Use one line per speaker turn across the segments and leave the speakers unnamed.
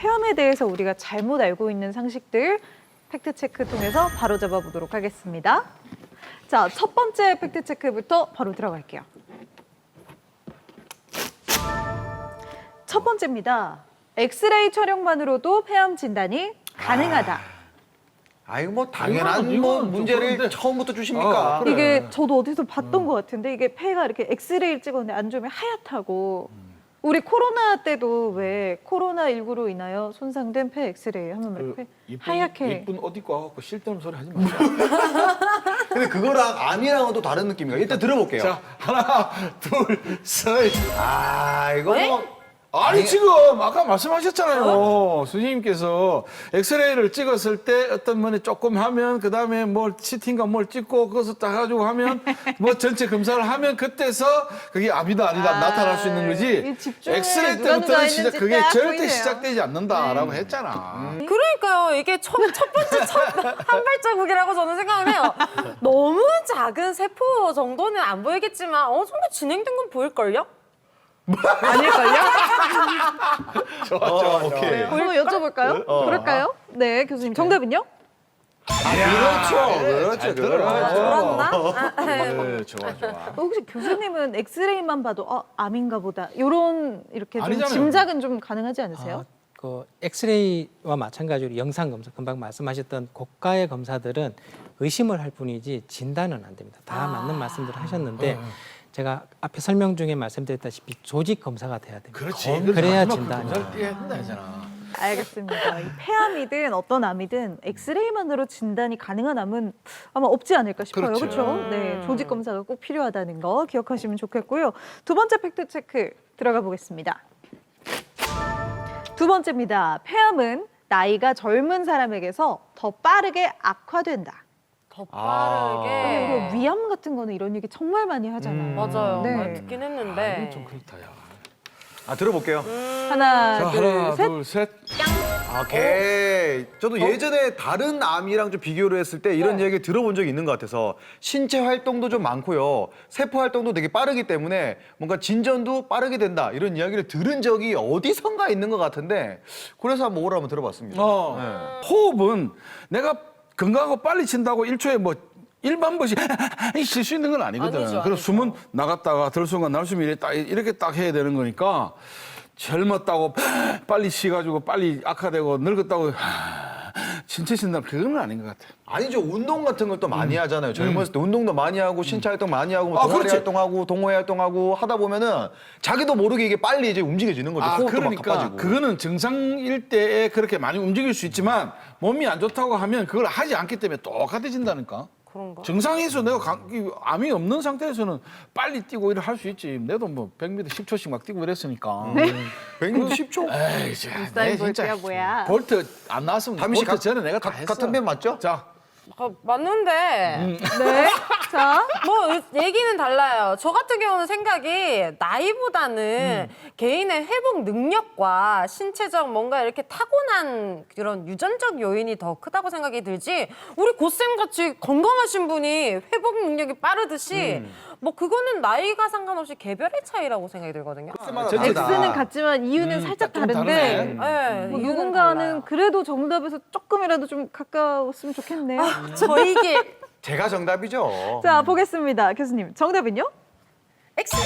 폐암에 대해서 우리가 잘못 알고 있는 상식들 팩트체크 통해서 바로잡아 보도록 하겠습니다. 자, 첫 번째 팩트체크부터 바로 들어갈게요. 첫 번째입니다. 엑스레이 촬영만으로도 폐암 진단이 가능하다.
아이고 뭐 당연한
이거는
문제를
그런데-
처음부터 주십니까?
그래.
이게 저도 어디서 봤던 것 같은데 이게 폐가 이렇게 엑스레이를 찍었는데 안 좋으면 하얗다고. 우리 코로나 때도 왜 코로나19로 인하여 손상된 폐 엑스레이 하면 이렇게 하얗게.
이쁜 옷 입고 와갖고 쓸데없는 소리 하지 마세요.
근데 그거랑 암이랑은 또 다른 느낌이에요. 일단 들어볼게요.
자, 하나, 둘, 셋.
아 이거 뭐
아니 지금 아까 말씀하셨잖아요. 선생님께서 엑스레이를 찍었을 때 어떤 분이 조금 하면 그다음에 뭘 CT인가 뭘 찍고 그것을 딱 가지고 하면 뭐 전체 검사를 하면 그때서 그게 암이다 아니다 나타날 수 있는
이
거지.
집중에
엑스레이
누가
때부터는
누가
진짜
했는지
그게
딱
절대
보이네요.
시작되지 않는다라고 했잖아.
그러니까요. 이게 첫 번째 한 발자국이라고 저는 생각을 해요. 너무 작은 세포 정도는 안 보이겠지만 어느 정도 진행된 건 보일걸요?
아닐걸요?
좋아.
오케이.
한번 여쭤볼까요? 그럴까요? 네, 교수님. 정답은요?
그렇죠.
그렇나?
네, 좋아.
혹시 교수님은 엑스레이만 봐도 암인가 보다. 이렇게 좀
아니잖아요.
짐작은 좀 가능하지 않으세요?
그 엑스레이와 마찬가지로 영상 검사, 금방 말씀하셨던 고가의 검사들은 의심을 할 뿐이지 진단은 안 됩니다. 다 맞는 말씀들을 하셨는데 제가 앞에 설명 중에 말씀드렸다시피 조직 검사가 돼야 됩니다.
그렇지.
그래야
마지막
진단이.
검사를 띄어야 된다 했잖아.
알겠습니다. 이 폐암이든 어떤 암이든 엑스레이만으로 진단이 가능한 암은 아마 없지 않을까 싶어요.
그렇죠.
그렇죠? 네, 조직 검사가 꼭 필요하다는 거 기억하시면 좋겠고요. 두 번째 팩트 체크 들어가 보겠습니다. 두 번째입니다. 폐암은 나이가 젊은 사람에게서 더 빠르게 악화된다.
더
아.
빠르게.
그리고 위암 같은 거는 이런 얘기 정말 많이 하잖아요.
맞아요.
네.
많이 듣긴 했는데.
이건 좀 그렇다, 야.
아 들어볼게요.
하나,
자,
둘,
하나,
셋.
둘, 셋.
오케이. 저도 예전에 다른 암이랑 좀 비교를 했을 때 이런 얘기 들어본 적이 있는 것 같아서 신체 활동도 좀 많고요. 세포 활동도 되게 빠르기 때문에 뭔가 진전도 빠르게 된다. 이런 이야기를 들은 적이 어디선가 있는 것 같은데 그래서 한번 오라 한번 들어봤습니다.
호흡은 내가 건강하고 빨리 친다고 1초에 뭐 일반 것이 쉴 수 있는 건 아니거든.
아니죠,
그래서 숨은 나갔다가 들숨과 날숨이 이렇게 딱 해야 되는 거니까 젊었다고 빨리 쉬가지고 빨리 악화되고 늙었다고 신체 쉰다 그건 아닌 것 같아.
아니죠. 운동 같은 걸 또 많이 하잖아요. 젊었을 때 운동도 많이 하고 신체 활동 많이 하고 뭐 동아리
그렇지.
활동하고 동호회 활동하고 하다 보면은 자기도 모르게 이게 빨리 이제 움직여지는 거죠. 호흡도 막
그러니까
가빠지고.
그거는 정상일 때에 그렇게 많이 움직일 수 있지만 몸이 안 좋다고 하면 그걸 하지 않기 때문에 똑같아진다니까.
그런가?
정상에서 내가 암이 없는 상태에서는 빨리 뛰고 이를 할 수 있지. 내도 뭐 100m 10초씩 막 뛰고 이랬으니까.
100m 10초?
에이, 진짜.
우사인 볼트야, 뭐야.
볼트 안 나왔으면
담임 씨
볼트 전에 내가 다 했어.
같은 편 맞죠?
자,
맞는데.
네. 자,
뭐 얘기는 달라요. 저 같은 경우는 생각이 나이보다는 개인의 회복 능력과 신체적 뭔가 이렇게 타고난 그런 유전적 요인이 더 크다고 생각이 들지. 우리 고쌤 같이 건강하신 분이 회복 능력이 빠르듯이 뭐 그거는 나이가 상관없이 개별의 차이라고 생각이 들거든요.
X는 같지만 이유는 살짝
좀
다른데
네,
뭐
이유는
누군가는
달라요.
그래도 정답에서 조금이라도 좀 가까웠으면 좋겠네요.
저희 길
제가 정답이죠.
자, 보겠습니다. 교수님, 정답은요?
X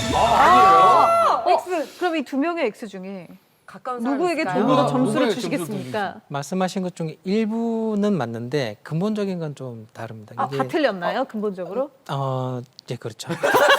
X. 그럼 이 두 명의 X 중에
가까운 사람
누구에게
있을까요?
조금 더
누가
점수를
누구에게
주시겠습니까?
말씀하신 것 중에 일부는 맞는데 근본적인 건 좀 다릅니다.
아, 다 틀렸나요? 근본적으로?
이제 그렇죠.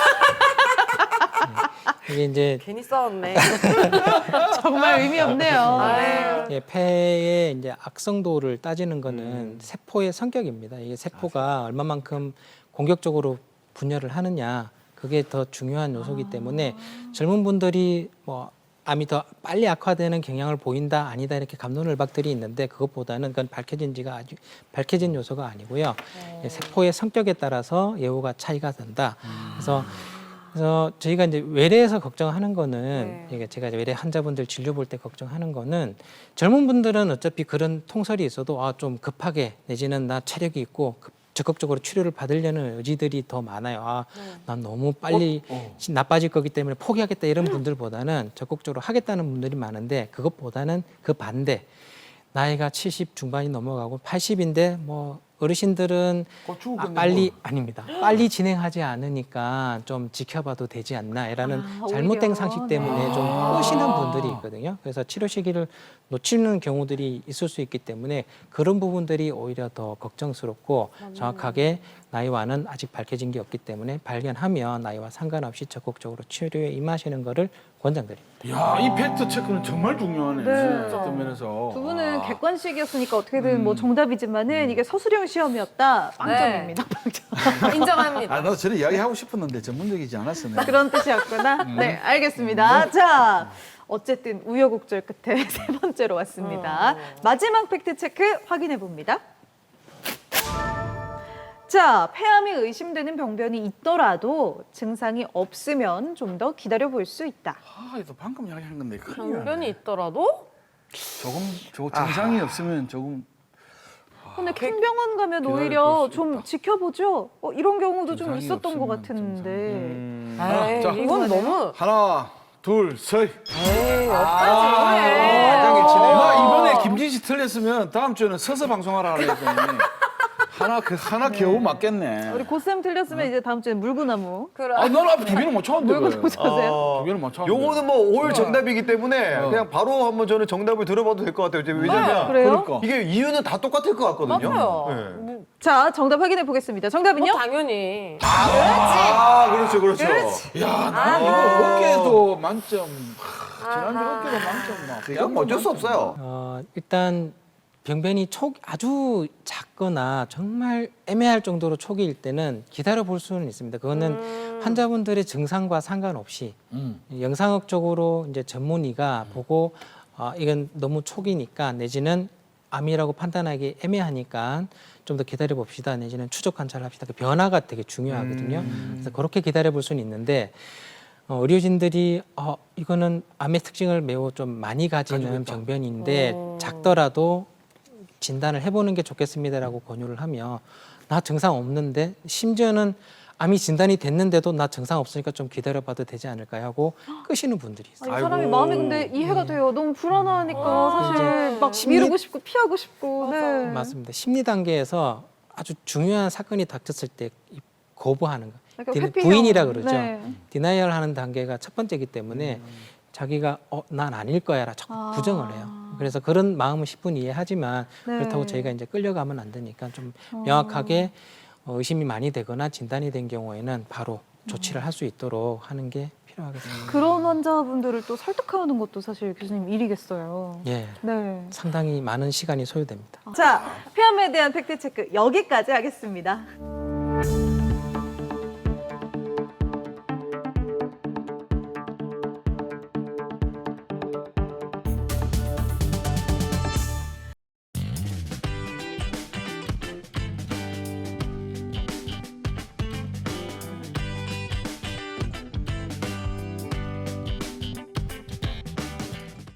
이게 이제
괜히 싸웠네.
정말 의미 없네요.
아유.
예, 폐의 이제 악성도를 따지는 거는 세포의 성격입니다. 이게 세포가 얼마만큼 공격적으로 분열을 하느냐 그게 더 중요한 요소이기 때문에 젊은 분들이 뭐 암이 더 빨리 악화되는 경향을 보인다 아니다 이렇게 갑론을박들이 있는데 그것보다는 그건 밝혀진 요소가 아니고요. 예, 세포의 성격에 따라서 예후가 차이가 된다. 그래서 저희가 이제 외래에서 걱정하는 거는 이게 제가 이제 외래 환자분들 진료 볼 때 걱정하는 거는 젊은 분들은 어차피 그런 통설이 있어도 좀 급하게 내지는 나 체력이 있고 적극적으로 치료를 받으려는 의지들이 더 많아요. 아, 난 너무 빨리 나빠질 거기 때문에 포기하겠다 이런 분들보다는 적극적으로 하겠다는 분들이 많은데 그것보다는 그 반대. 나이가 70 중반이 넘어가고 80인데 뭐 어르신들은 빨리 아닙니다. 빨리 진행하지 않으니까 좀 지켜봐도 되지 않나라는 잘못된
오히려.
상식 때문에 좀 끄시는 분들이 있거든요. 그래서 치료 시기를 놓치는 경우들이 있을 수 있기 때문에 그런 부분들이 오히려 더 걱정스럽고 정확하게 나이와는 아직 밝혀진 게 없기 때문에 발견하면 나이와 상관없이 적극적으로 치료에 임하시는 거를 권장드립니다.
야, 이 팩트 체크는 정말 중요하네.
네.
어떤 면에서.
두 분은 객관식이었으니까 어떻게든 뭐 정답이지만은 이게 서술형 시험이었다. 빵점입니다. 빵점.
인정합니다.
아, 나도 저런 이야기 하고 싶었는데 전문적이지 않았어. 내가.
그런 뜻이었구나. 네, 알겠습니다. 자, 어쨌든 우여곡절 끝에 세 번째로 왔습니다. 마지막 팩트 체크 확인해 봅니다. 자, 폐암이 의심되는 병변이 있더라도 증상이 없으면 좀 더 기다려 볼 수 있다.
아, 이거 방금 이야기한 건데. 큰일
병변이
나네.
있더라도
조금 증상이 없으면 조금
근데 큰 병원 가면
기다려
오히려
볼수
좀
있다.
지켜보죠. 이런 경우도 좀
증상이
있었던 것
없으면
같은데.
에이,
자,
이건 너무
하나, 둘, 셋.
아,
나 이번에 김진 씨 틀렸으면 다음 주에는 서서 방송하라 그랬더니 하나 겨우 맞겠네.
우리 고쌤 틀렸으면 이제 다음 주에 물구나무.
아, 너는 앞에 두 개는 못 찾았는데.
물구나무 찾으세요.
두 개는 못 찾았는데.
요거는 뭐 올 정답이기 때문에 그냥 바로 한번 저는 정답을 들어봐도 될 것 같아요. 왜냐면
그래요?
그러니까.
이게 이유는 다 똑같을 것 같거든요.
맞아요.
네.
자, 정답 확인해 보겠습니다. 정답은요?
당연히.
아, 그렇죠, 그렇죠.
야, 나 이거 어깨도 만점. 지난주 어깨도 만점 막.
이건 뭐 어쩔 수 없어요.
일단 병변이 아주 작거나 정말 애매할 정도로 초기일 때는 기다려 볼 수는 있습니다. 그거는 환자분들의 증상과 상관없이 영상학적으로 이제 전문의가 보고 이건 너무 초기니까 내지는 암이라고 판단하기 애매하니까 좀 더 기다려 봅시다 내지는 추적 관찰을 합시다. 그 변화가 되게 중요하거든요. 그래서 그렇게 기다려 볼 수는 있는데 의료진들이 이거는 암의 특징을 매우 좀 많이 가지는 병변인데 작더라도 진단을 해보는 게 좋겠습니다라고 권유를 하며 나 증상 없는데 심지어는 암이 진단이 됐는데도 나 증상 없으니까 좀 기다려봐도 되지 않을까 하고 끄시는 분들이 있어요.
이 사람이 마음이 근데 이해가 돼요. 너무 불안하니까 사실 막 미루고 싶고 피하고 싶고. 네.
맞습니다. 심리 단계에서 아주 중요한 사건이 닥쳤을 때 거부하는 거.
약간 회피형.
부인이라 그러죠.
네.
디나이얼 하는 단계가 첫 번째이기 때문에 자기가 난 아닐 거야라 자꾸 부정을 해요. 그래서 그런 마음은 10분 이해하지만
네.
그렇다고 저희가 이제 끌려가면 안 되니까 좀 명확하게 의심이 많이 되거나 진단이 된 경우에는 바로 조치를 할 수 있도록 하는 게 필요하겠습니다.
그런 환자분들을 또 설득하는 것도 사실 교수님 일이겠어요.
예,
네.
상당히 많은 시간이 소요됩니다.
자, 폐암에 대한 팩트 체크 여기까지 하겠습니다.